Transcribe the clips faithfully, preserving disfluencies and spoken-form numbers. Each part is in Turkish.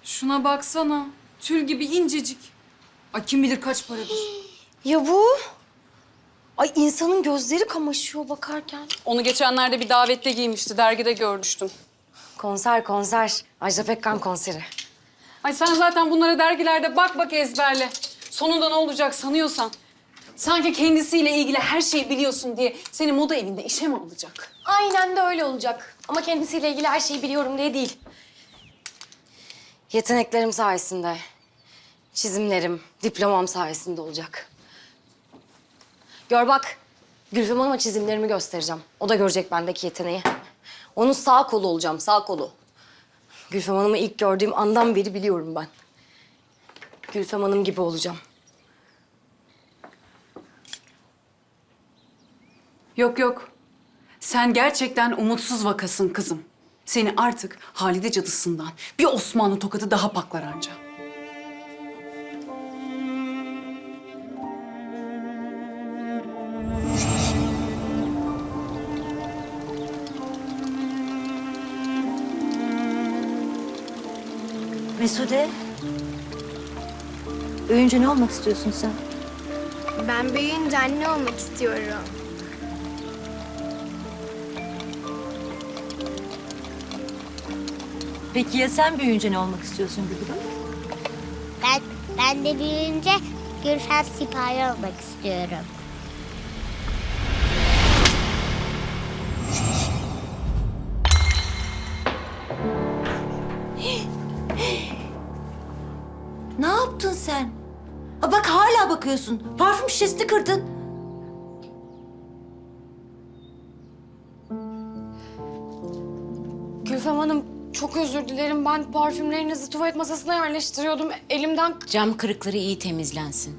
Şuna baksana. Tül gibi incecik. Ay kim bilir kaç paradır. Ya bu? Ay insanın gözleri kamaşıyor bakarken. Onu geçenlerde bir davette giymişti. Dergide görmüştüm. Konser konser. Ajda Pekkan konseri. Ay sen zaten bunlara dergilerde bak bak ezberle. Sonunda ne olacak sanıyorsan. Sanki kendisiyle ilgili her şeyi biliyorsun diye seni moda evinde işe mi alacak? Aynen de öyle olacak. Ama kendisiyle ilgili her şeyi biliyorum diye değil. Yeteneklerim sayesinde, çizimlerim, diplomam sayesinde olacak. Gör bak, Gülfem Hanım'a çizimlerimi göstereceğim. O da görecek bendeki yeteneği. Onun sağ kolu olacağım, sağ kolu. Gülfem Hanım'ı ilk gördüğüm andan beri biliyorum ben. Gülfem Hanım gibi olacağım. Yok yok. Sen gerçekten umutsuz vakasın kızım. Seni artık Halide cadısından bir Osmanlı tokadı daha paklar anca. Mesude, büyüyünce ne olmak istiyorsun sen? Ben büyüyünce anne olmak istiyorum. Peki ya sen büyüyünce ne olmak istiyorsun Gülgül? Ben, ben de büyüyünce Gülfem Sipahi olmak istiyorum. Ne yaptın sen? Ha bak hala bakıyorsun. Parfüm şişesini kırdın. Gülfem Hanım, çok özür dilerim. Ben parfümlerinizi tuvalet masasına yerleştiriyordum. Elimden... Cam kırıkları iyi temizlensin.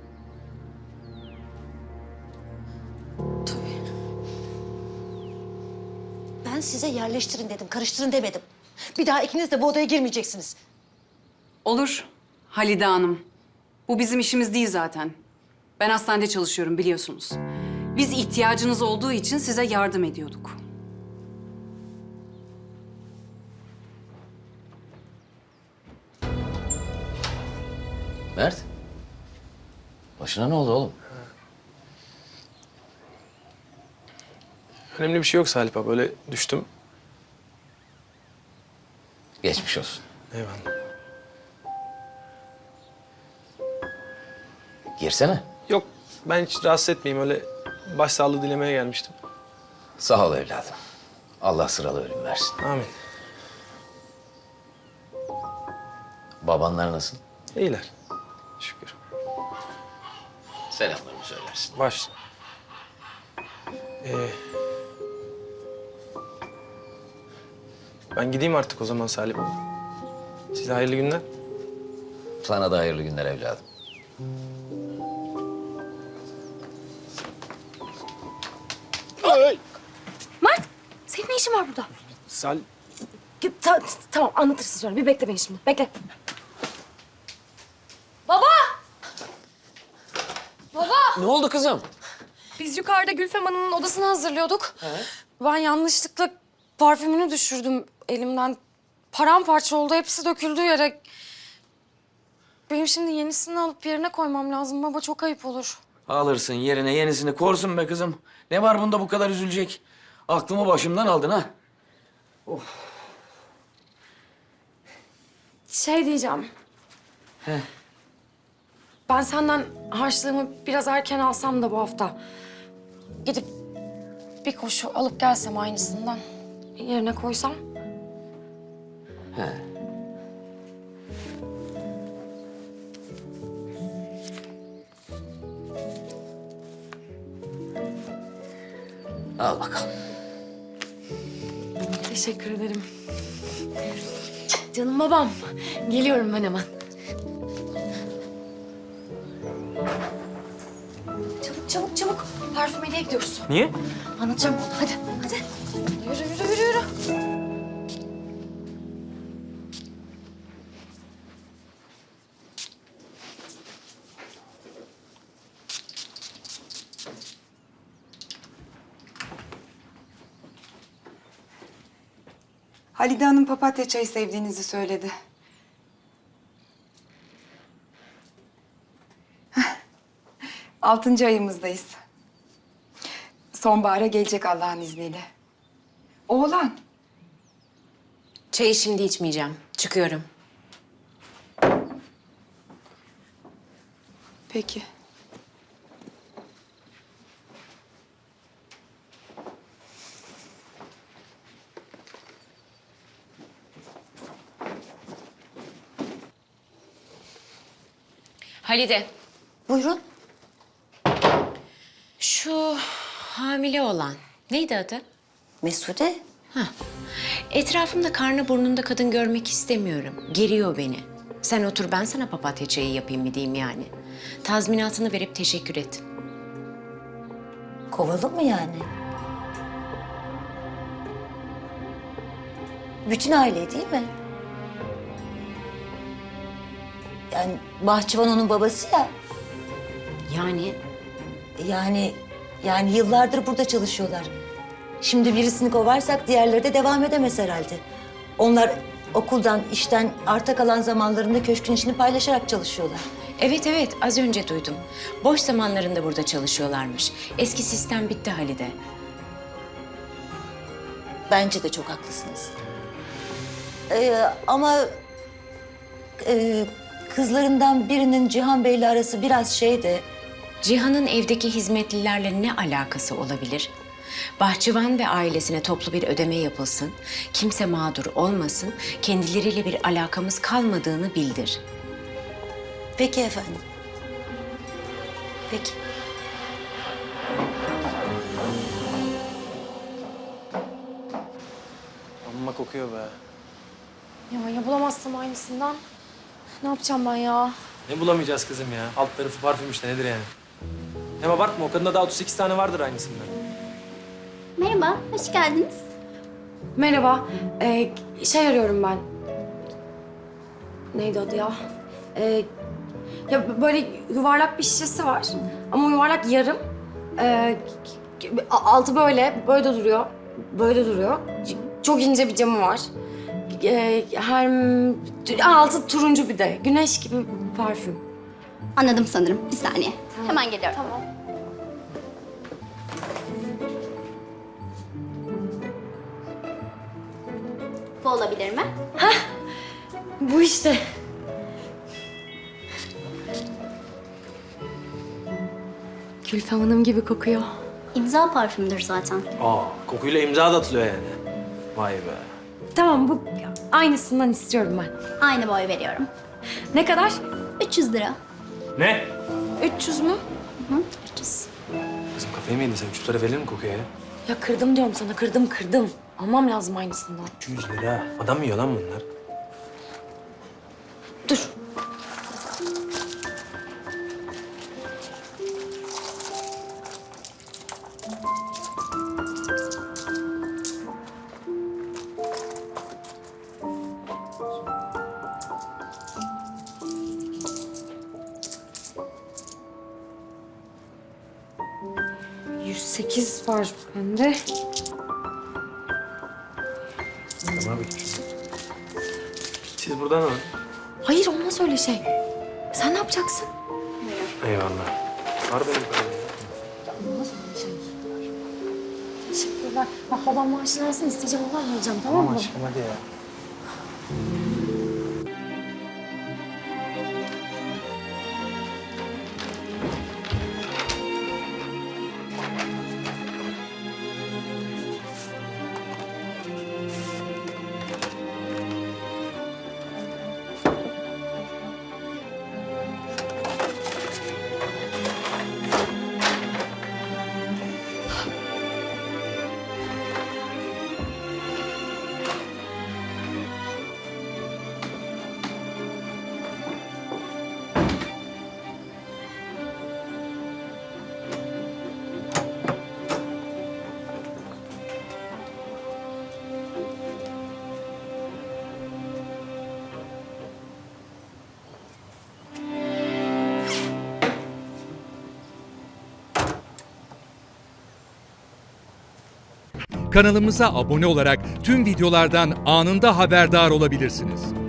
Ben size yerleştirin dedim, karıştırın demedim. Bir daha ikiniz de bu odaya girmeyeceksiniz. Olur Halide Hanım. Bu bizim işimiz değil zaten. Ben hastanede çalışıyorum biliyorsunuz. Biz ihtiyacınız olduğu için size yardım ediyorduk. Mert. Başına ne oldu oğlum? Önemli bir şey yok Salih Baba. Öyle düştüm. Geçmiş olsun. Eyvallah. Girsene. Yok ben hiç rahatsız etmeyeyim. Öyle başsağlığı dilemeye gelmiştim. Sağ ol evladım. Allah sıralı ölüm versin. Amin. Babanlar nasıl? İyiler. Şükür. Selamlarımı söylersin. Baş. Ee, ben gideyim artık o zaman Salih Baba. Size hayırlı günler. Sana da hayırlı günler evladım. Mert, senin ne işin var burada? Salih. Git, ta- tamam, anlatırsın sonra. Bir bekle beni şimdi. Bekle. Baba! Baba! Ne oldu kızım? Biz yukarıda Gülfem Hanım'ın odasını hazırlıyorduk. Ben yanlışlıkla parfümünü düşürdüm elimden. Paramparça oldu. Hepsi döküldü yere. Benim şimdi yenisini alıp yerine koymam lazım baba. Çok ayıp olur. Alırsın yerine yenisini korsun be kızım. Ne var bunda bu kadar üzülecek? Aklımı başımdan aldın ha. Şey diyeceğim. Ben senden harçlığımı biraz erken alsam da bu hafta. Gidip bir koşu alıp gelsem aynısından. Yerine koysam. He. Al bakalım. Teşekkür ederim. Canım babam. Geliyorum ben hemen. Çabuk çabuk çabuk. Parfümeriye gidiyoruz. Niye? Anlatacağım onu. Hadi hadi. Yürü yürü yürü yürü. Halide Hanım papatya çayı sevdiğinizi söyledi. Altıncı ayımızdayız. Sonbahara gelecek Allah'ın izniyle. Oğlan. Çayı şimdi içmeyeceğim. Çıkıyorum. Peki. Halide, Buyurun. şu hamile olan neydi adı? Mesude. Etrafımda karnı burnunda kadın görmek istemiyorum. Geriyor beni. Sen otur, ben sana papatya çayı yapayım mı diyeyim yani. Tazminatını verip teşekkür et. Kovalım mı yani? Bütün aile değil mi? Yani bahçıvan onun babası ya. Yani Yani yani yıllardır burada çalışıyorlar. Şimdi birisini kovarsak diğerleri de devam edemez herhalde. Onlar okuldan, işten arta kalan zamanlarında köşkün işini paylaşarak çalışıyorlar. evet evet, az önce duydum. Boş zamanlarında burada çalışıyorlarmış. Eski sistem bitti Halide. Bence de çok haklısınız. Ee, ama e, kızlarından birinin Cihan Bey'le arası biraz şeydi. Cihan'ın evdeki hizmetlilerle ne alakası olabilir? Bahçıvan ve ailesine toplu bir ödeme yapılsın, kimse mağdur olmasın, kendileriyle bir alakamız kalmadığını bildir. Peki efendim. Peki. Amma kokuyor be. Ya ya bulamazsam aynısından. Ne yapacağım ben ya? Ne bulamayacağız kızım ya? Alt tarafı parfüm işte, nedir yani? Hem abartma, o kadında daha otuz sekiz tane vardır aynısından. Merhaba, hoş geldiniz. Merhaba. Ee, şey arıyorum ben. Neydi adı ya? Ee, ya böyle yuvarlak bir şişesi var. Ama o yuvarlak yarım. Ee, a- altı böyle, böyle de duruyor. Böyle de duruyor. C- Çok ince bir camı var. Ee, her altı turuncu bir de. Güneş gibi parfüm. Anladım sanırım. Bir saniye. Hemen geliyorum. Tamam. Bu olabilir mi? Bu işte. Gülfem Hanım gibi kokuyor. İmza parfümdür zaten. Aa, kokuyla imza da atılıyor yani. Vay be. Tamam, bu aynısından istiyorum ben. Aynı boy veriyorum. Ne kadar? üç yüz lira. Ne? üç yüz mü? Hı, üç yüz. Kızım kafayı mı yedin sen? üç yüz lira verilir mi kokuya ya? Ya kırdım diyorum sana, kırdım kırdım. Almam lazım aynısından. üç yüz lira. Adam mı yiyor lan bunlar? Dur. yüz sekiz var bende. Tamam abi. Siz buradan alın. Hayır, olmaz öyle şey. Sen ne yapacaksın? Eyvallah. Var benim param. Olmaz öyle şey. Teşekkürler. Bak babam maaşını alsın, isteyeceğim ondan vereceğim, tamam mı? Aşkım hadi ya. Kanalımıza abone olarak tüm videolardan anında haberdar olabilirsiniz.